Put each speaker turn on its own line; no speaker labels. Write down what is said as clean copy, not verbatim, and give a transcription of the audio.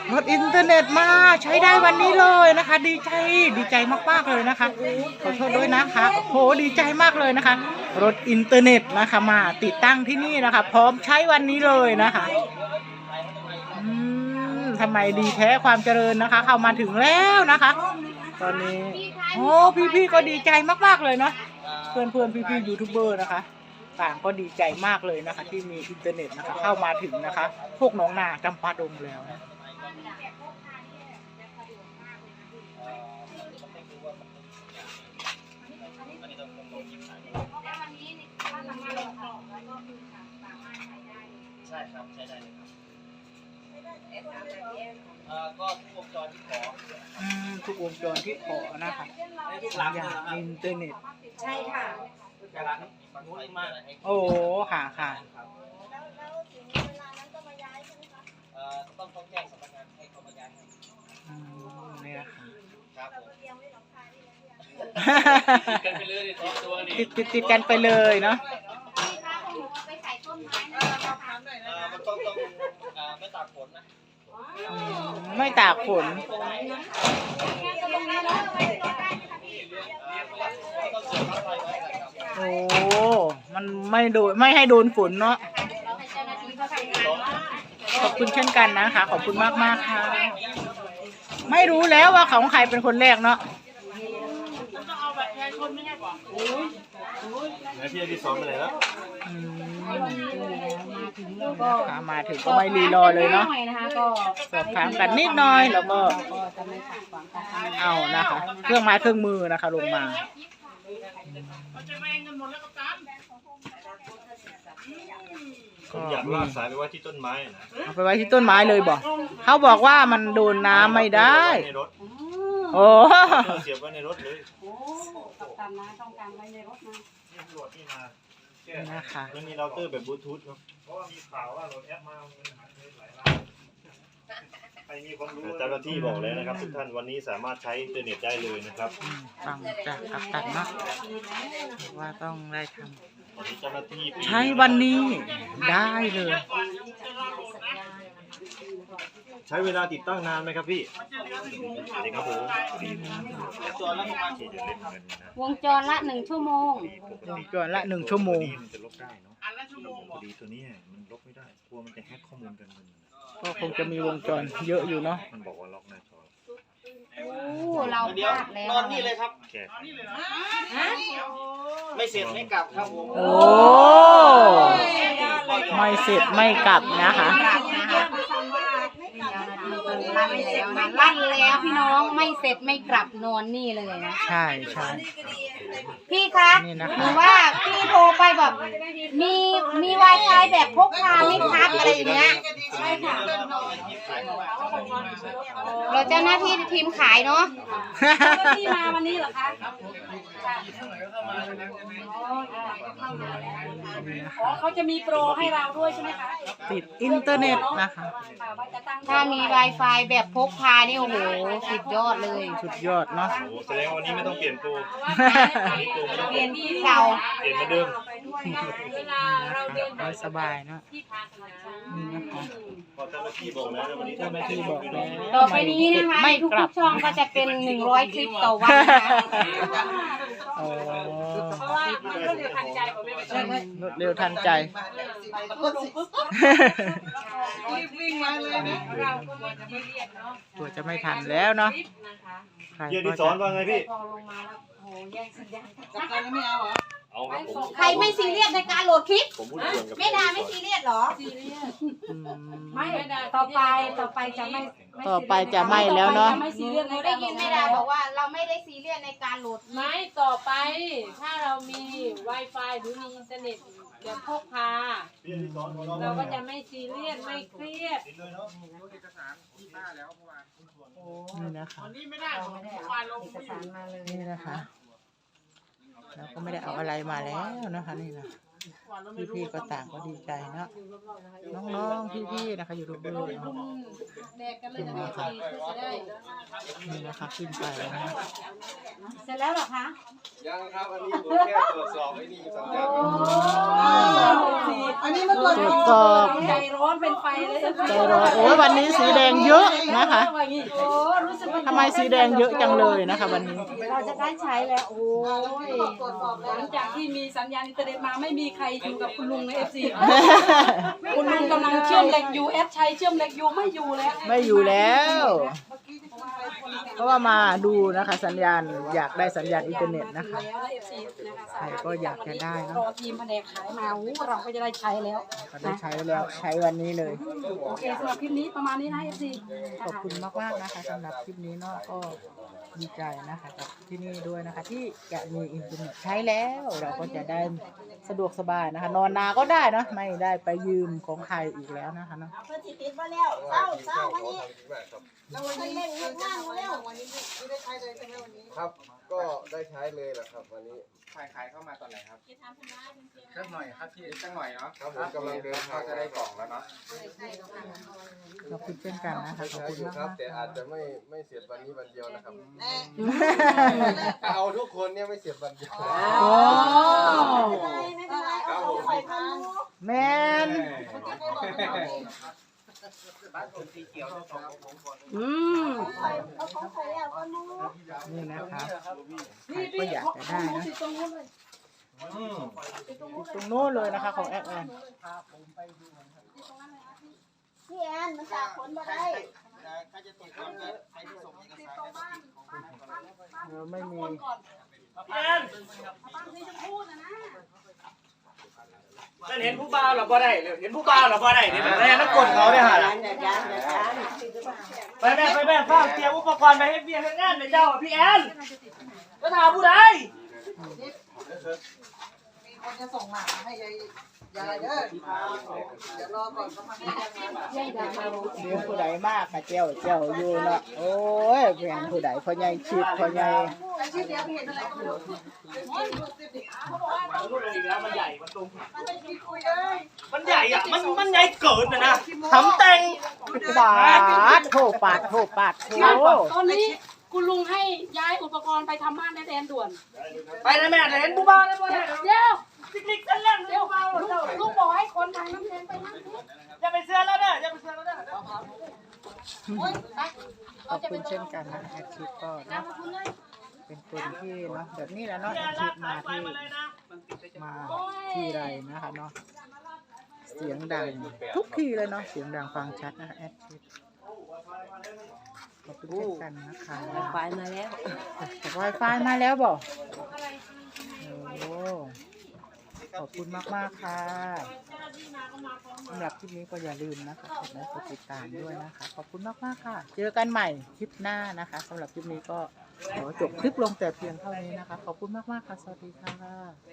รถอินเทอร์เน็ตมาใช้ได้วันนี้เลยนะคะดีใจมากๆเลยนะคะขอโทษด้วยนะคะโหดีใจมากเลยนะคะรถอินเทอร์เน็ตนะคะมาติดตั้งที่นี่นะคะพร้อมใช้วันนี้เลยนะคะทำไมดีแท้ความเจริญนะคะเข้ามาถึงแล้วนะคะตอนนี้โอ้พี่ๆก็ดีใจมากๆเลยเนาะเพื่อนพี่ๆยูทูบเบอร์นะคะต่างก็ดีใจมากเลยนะคะที่มีอินเทอร์เน็ตนะคะเข้ามาถึงนะคะพวกน้องนาจำปาดงแล้วนะ
ใช่ครับใช้ได้เลยครับก็ทุกวงจรที่ขอ
ทุกวงจรที่ขอนะคะอย่างอินเทอร์เน็ต
ใช่ค่ะ
แต่ร้านฝั่งนู้นมากเลย
โอ้ค่ะ
ต้องแจ้งสำนักงานให้เขามาย้ายให้
เนี่ยค่ะ
ครับ
ติดกันไปเลยเนาะ
มันต้องไม่ตากฝนนะ
ไม่ตากฝนโอ้มันไม่ให้โดนฝนเนาะขอบคุณเช่นกันนะคะขอบคุณมากค่ะไม่รู้แล้วว่าของใครเป็นคนแรกเนาะ
แล้วพี่ที่ซ้อมไปไหนแล้ว
มาถึงก็ไม่รีรอเลยเนาะสอบถามกันนิดหน่อยแล้วก็เอานะคะเครื่องไม้เครื่องมือนะคะลงมา
อยากลากสายไปไว้ที่ต้นไม้นะ
เอาไปไว้ที่ต้นไม้เลยบอกเขาบอกว่ามันโดนน้ำไม่ได้โอ้
เสียบไว้ในรถเลย
กับตามนะต้องการไว้ในรถนะ
ตำรวจที่มา
นะคะ
มันมีเราเตอร์แบบบลูทูธครับเพราะว่ามีข่าวว่าโหลดแอปมาหายไปหลายล้านใครมีความรู้เจ้าหน้าที่บอกแล้วนะครับทุกท่านวันนี้สามารถใช้อินเทอร์เน็ตได้เลยนะครับ
ฟังจากกัปตันเนาะว่าต้องได้ทำ
ใช้
วันนี้ได้เลย
ใช้เวลาติดตั้งนานไหมครับพี่สวัสดีครับผม
วงจรละ1 ชั่วโมง
วงจรละ1 ชั่วโมง
มันจะลบได้เนาะพอดีตัวนี้มันลบไม่ได้กลัวมันจะแฮกข้อมูลกัน
ก็คงจะมีวงจรเยอะอยู่เนาะ
มันบอกว่าล็อกหน้าจอ
เราพลาดแล้ว
นอนนี่เลยครับไม่เสร็จไม่กลับครับผม
โอ้ไม่เสร็จไม่กลับนะคะ
ลั่นแล้วพี่น้องไม่เสร็จไม่กลับนอนนี่เลยนะ
ใช่
พี่คะหรือว่าพี่โทรไปแบบมี Wi-Fi แบบพกพาไม่พักอะไรอย่างเงี้ยใช่ค่ะเราเจ้าหน้าที่ทีมขายเนาะที่มาวันนี้เหรอคะเขาจะมีโปรให้เราด้วยใช่ไหมคะ
ติดอินเทอร์เน็ตนะคะ
ถ้ามี Wi-Fi แบบพกพานี่โอ้โหสุดยอดเลย
สุดยอดเนาะ
แสดงวันนี้ไม่ต้องเปลี่ยนโปร
เปลี่ยนเก่า
เปลี่ยนเหมือนเดิม
สบายเนาะนี่นะคะ
เจ้าหน้าที่บอกแล้ววันนี้
เจ้าหน้าที่บอกแล้ว
ต่อไปนี้นะคะทุกช่องก็จะเป็น100 คลิปต่อวันนะคะเพราะว่ารวดเร็วทันใจผมไม่
รวดเร็วทันใจ
วิ่งมาเลยนะเราก็ไม่ซีเรียสเนาะ
ตัวจะไม่ทันแล้วเนาะ
เยี่ยมที่สอนว่าไงพี่
ใครไม่ซีเรียสในการโหลดคลิปไม่ด่าไม่ซีเรียสหรอไม่ต่อไปจะไม่
แล้วเนาะ
ได้ยินไม่ด่าบอกว่าเราไม่ได้ซีเรียสในการโหลด
ไม่ต่อไปถ้าเรามี Wi-Fi หรือมีอินเทอร์เน็ตแบบพกพาเราก็จะไม่ซีเรียสไม่เครียด
นี่นะคะนี่นะคะเราก็ไม่ได้เอาอะไรมาแล้วนะคะนี่นะพี่ๆก็ต่างก็ดีใจเนาะน้องๆพี่ๆนะคะอยู่รูปดูนี่นะคะขึ้นไปนะ
เสร็จแล้วหรอคะ
ยังครับอันนี้ผมแค่ตรวจสอบไอ้นี่สัญญาณ
อันนี้มาตรวจสอบ
ใจร้อนเป็นไฟเลย
ใจร้อนโอ้ยวันนี้สีแดงเยอะนนะคะ
โอ้รู้สึกว่า
ทำไมสีแดงเยอะจังเลยนะคะวันนี้
เราจะได้ใช้แล้วโอ้ย
หลังจากที่มีสัญญาณอินเทอร์เน็ตมาไม่มีใครอยู่กับคุณลุงในเอฟซีคุณลุงกำลังเชื่อมเหล็กอยู่แอดชัยเชื่อมเหล็กอยู่ไม่อยู่แล้ว
ไม่อยู่แล้ว เพราะว่ามาดูนะคะ สัญญาณอยากได้สัญญาณอินเทอร์เน็ตนะคะ
แล้วเอฟซีนะคะ
ใครก็อยากจะได้เนอะ
รอทีมแผนกขายมาเราก็จะได้ใช้แล้ว
ก็ได้ใช้แล้วใช้วันนี้เลย
โอเคสำหรับคลิปนี้ประมาณนี้นะเอฟซี
ขอบคุณมากๆนะคะสำหรับคลิปนี้เนาะก็ดีใจนะคะกับที่นี่ด้วยนะคะ ที่จะมีอินเทอร์เน็ตใช้แล้วเราก็จะได้สะดวกสบายนะคะ นอนนาก็ได้เนาะไม่ได้ไปยืมของใครอีกแล้วนะคะเนาะ
เพื่อนสิติดมาแล้วเศร้าวันนี้เราวันนี้เล่นงานมาแล้ววันนี้ไม่ได้ใช้เลยใช่ไหมวันนี้
ครับ ก็ได้ใช้เลยแหละครับวันนี้
ขายเข้ามาตอนไหนครับสักหน่อยครับพี่สักหน่อยเนาะ
ครับผมกำลังเดินทาง
ก็จะได้กล่องแล้วเนาะ
ขอบคุณเช่นกันนะคะขอบ
ใช้
คุณ
อยู่
มาก
ครับ
ๆ
แต่อาจจะไม่เสร็จวันนี้วันเดียวนะครับเอาทุกคนเนี่ยไม่เสร็จวันเดียว
โอ้
ไม่เป็นไรเอาของใส่ทาน
แมน
บ้านผมสีเขียวจะสองผมก่อน
เอาของใส่แล้วก็รู้
นี่นะคะใครก็อยากจะได้นะตรงโน้นเลยนะคะของแอดแอน
พี่แอนมันจากผลมาได้
ใครจะตรวจสอบใครที่ส่งเอกสาร
ไม่มี
นั่นเห็นผู้บ่าวหรอบ่ได้เห็นผู้บ่าวหรอบ่ได้เนี่ยแม่นักกดเขาเนี่ยฮะไปแม่ฝากเตรียมอุปกรณ์ไปให้เบียร์ให้งานในเจ้าพี่แอนจะถามผู้ใด
คนจะส่งหมาให้ยายเด้อเดี๋ยวรอก่อนเขามาให้ยายมา
เลี้ยงผู้ใดมากค่ะเจ้าอยู่เนาะโอ้ยเพียงผู้ใดพ่อใหญ่ชิดพ่อใหญ่
ไอ้ชื่อเดียวเห็นอะไรก็ไม่รู้
อีกแล้วมันใหญ่มันตรง
คุยเลย
มันใหญ่อ่ะมันใหญ่เกินนะทำแต่ง
ปาดโถปาดโถโถ
ตอนนี้คุณลุงให้ย้ายอุปกรณ์ไปทำบ้านแดนด่วน
ไปนะแม่เห็นผู้บ่าวแล้วบ่ได้
เดี๋ยว
ติ๊กๆกันแล้ว
เดี๋ยวลุงบอกให้คนทางน้ำแดงไปนั่ง
อย่าไปเสื้อแล้วเด้ออย่าไปเสื้อแล้วเด้อ
ขอบคุณเช่นกันนะแอดชิดก็เนาะเป็นคนที่เนาะแบบนี้แหละเนาะแอดชิดมาที่ไรนะคะเนาะเสียงดังทุกทีเลยเนาะเสียงดังฟังชัดนะคะแอดชิดขอบคุณเช่นกันนะคะ
ไฟมาแล้ว
Wi-Fi มาแล้วบอกโอ้ขอบคุณมากๆค่ะสำหรับคลิปนี้ก็อย่าลืมนะคะกดไลค์กดติดตามด้วยนะคะขอบคุณมากๆค่ะเจอกันใหม่คลิปหน้านะคะสำหรับคลิปนี้ก็ขอจบคลิปลงแต่เพียงเท่านี้นะคะขอบคุณมากๆค่ะสวัสดีค่ะ